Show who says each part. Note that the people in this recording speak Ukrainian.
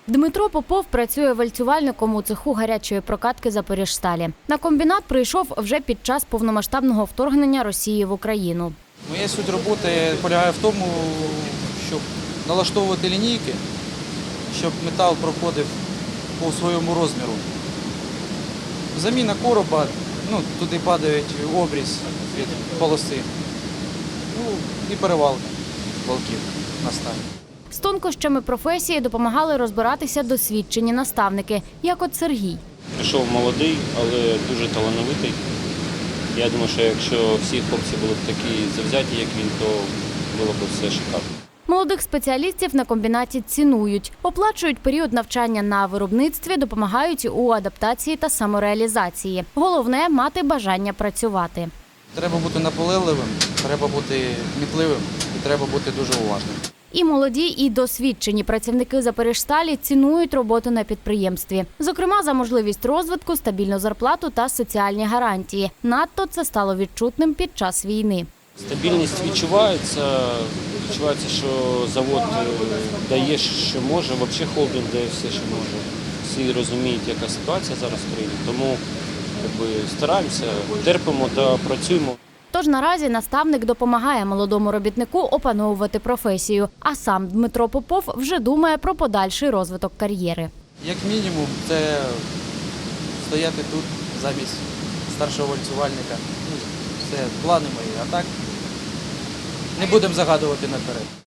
Speaker 1: Дмитро Попов працює вальцювальником у цеху гарячої прокатки «Запоріжсталі». На комбінат прийшов вже під час повномасштабного вторгнення Росії в Україну.
Speaker 2: Моя суть роботи полягає в тому, щоб налаштовувати лінійки, щоб метал проходив по своєму розміру. Заміна короба, туди падають обріз від полоси, і перевалка валків на сталі.
Speaker 1: З тонкощами професії допомагали розбиратися досвідчені наставники, як от Сергій.
Speaker 3: Прийшов молодий, але дуже талановитий. Я думаю, що якщо всі хлопці були б такі завзяті, як він, то було б все шикарно.
Speaker 1: Молодих спеціалістів на комбінаті цінують, оплачують період навчання на виробництві, допомагають у адаптації та самореалізації. Головне – мати бажання працювати.
Speaker 2: Треба бути наполегливим, треба бути кмітливим і треба бути дуже уважним.
Speaker 1: І молоді, і досвідчені працівники «Запоріжсталі» цінують роботу на підприємстві. Зокрема, за можливість розвитку, стабільну зарплату та соціальні гарантії. Надто це стало відчутним під час війни.
Speaker 3: Стабільність відчувається, що завод дає, що може, взагалі холдинг дає все, що може. Всі розуміють, яка ситуація зараз в країні, тому стараємося, терпимо та працюємо.
Speaker 1: Тож наразі наставник допомагає молодому робітнику опановувати професію, а сам Дмитро Попов вже думає про подальший розвиток кар'єри.
Speaker 2: Як мінімум, це стояти тут замість старшого вальцювальника. Це плани мої, а так не будемо загадувати наперед.